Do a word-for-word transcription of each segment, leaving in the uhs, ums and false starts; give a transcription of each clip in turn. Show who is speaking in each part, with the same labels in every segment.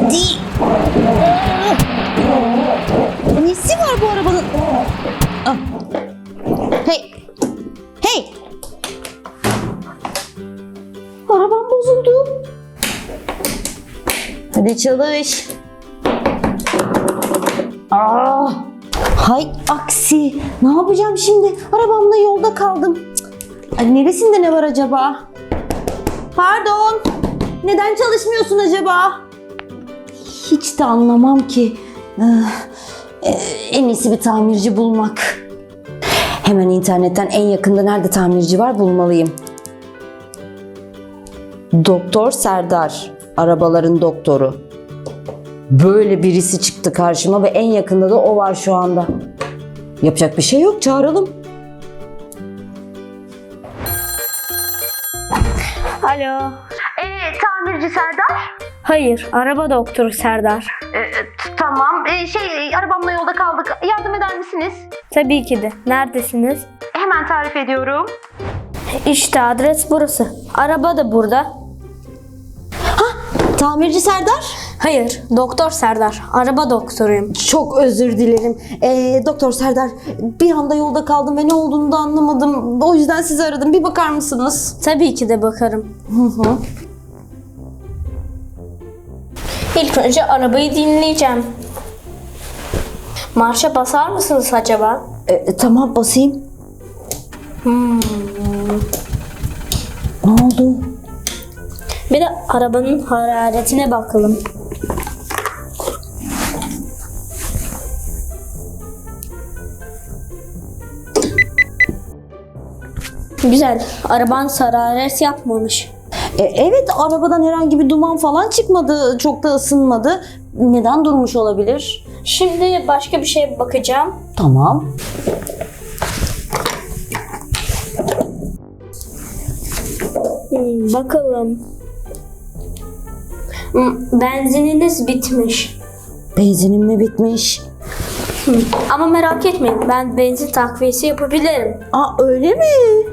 Speaker 1: Hadi. Nesi var bu arabanın? Ah. Hey. Hey. Arabam bozuldu. Hadi çalış. Aa. Hay aksi. Ne yapacağım şimdi? Arabamla yolda kaldım. Cık. Ay, neresinde ne var acaba? Pardon. Neden çalışmıyorsun acaba? Hiç de anlamam ki. Ee, en iyisi bir tamirci bulmak. Hemen internetten en yakında nerede tamirci var bulmalıyım. Doktor Serdar. Arabaların doktoru. Böyle birisi çıktı karşıma ve en yakında da o var şu anda. Yapacak bir şey yok, çağıralım.
Speaker 2: Alo.
Speaker 1: Ee, tamirci Serdar.
Speaker 2: Hayır, araba doktoru Serdar.
Speaker 1: Ee, tamam. Ee, şey, arabamla yolda kaldık. Yardım eder misiniz?
Speaker 2: Tabii ki de. Neredesiniz?
Speaker 1: Hemen tarif ediyorum.
Speaker 2: İşte adres burası. Araba da burada.
Speaker 1: Tamirci Serdar.
Speaker 2: Hayır, doktor Serdar. Araba doktoruyum.
Speaker 1: Çok özür dilerim. Ee, Doktor Serdar, bir anda yolda kaldım ve ne olduğunu da anlamadım. O yüzden sizi aradım. Bir bakar mısınız?
Speaker 2: Tabii ki de bakarım.
Speaker 1: Hı hı.
Speaker 2: İlk önce arabayı dinleyeceğim. Marşa basar mısınız acaba?
Speaker 1: Ee, tamam, basayım.
Speaker 2: Hmm.
Speaker 1: Ne oldu?
Speaker 2: Bir de arabanın hararetine bakalım. Güzel. Araban hararet yapmamış.
Speaker 1: Ee, evet, arabadan herhangi bir duman falan çıkmadı. Çok da ısınmadı. Neden durmuş olabilir?
Speaker 2: Şimdi başka bir şeye bakacağım.
Speaker 1: Tamam.
Speaker 2: Hmm, bakalım. Hmm, benzininiz bitmiş.
Speaker 1: Benzinim mi bitmiş?
Speaker 2: Hmm, ama merak etmeyin, ben benzin takviyesi yapabilirim.
Speaker 1: Aa, öyle mi?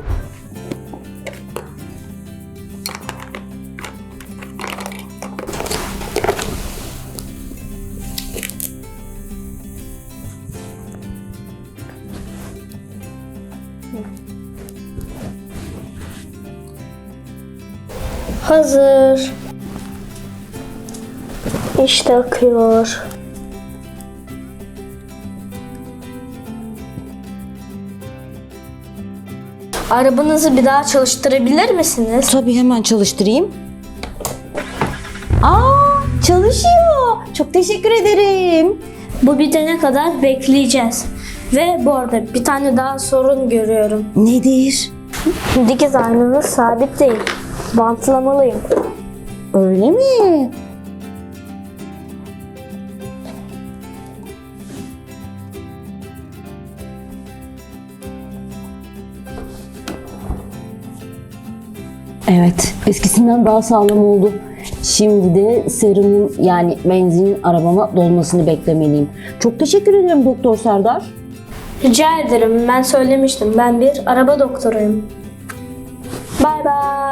Speaker 2: Hazır. İşte akıyor. Arabanızı bir daha çalıştırabilir misiniz?
Speaker 1: Tabii, hemen çalıştırayım. Aa, çalışıyor. Çok teşekkür ederim.
Speaker 2: Bu bitene kadar bekleyeceğiz. Ve bu arada bir tane daha sorun görüyorum.
Speaker 1: Nedir?
Speaker 2: Dikiz aynanız sabit değil. Bantlamalıyım.
Speaker 1: Öyle mi? Evet, eskisinden daha sağlam oldu. Şimdi de serumun yani benzinin arabama dolmasını beklemeliyim. Çok teşekkür ederim Doktor Serdar.
Speaker 2: Rica ederim. Ben söylemiştim. Ben bir araba doktoruyum. Bay bay.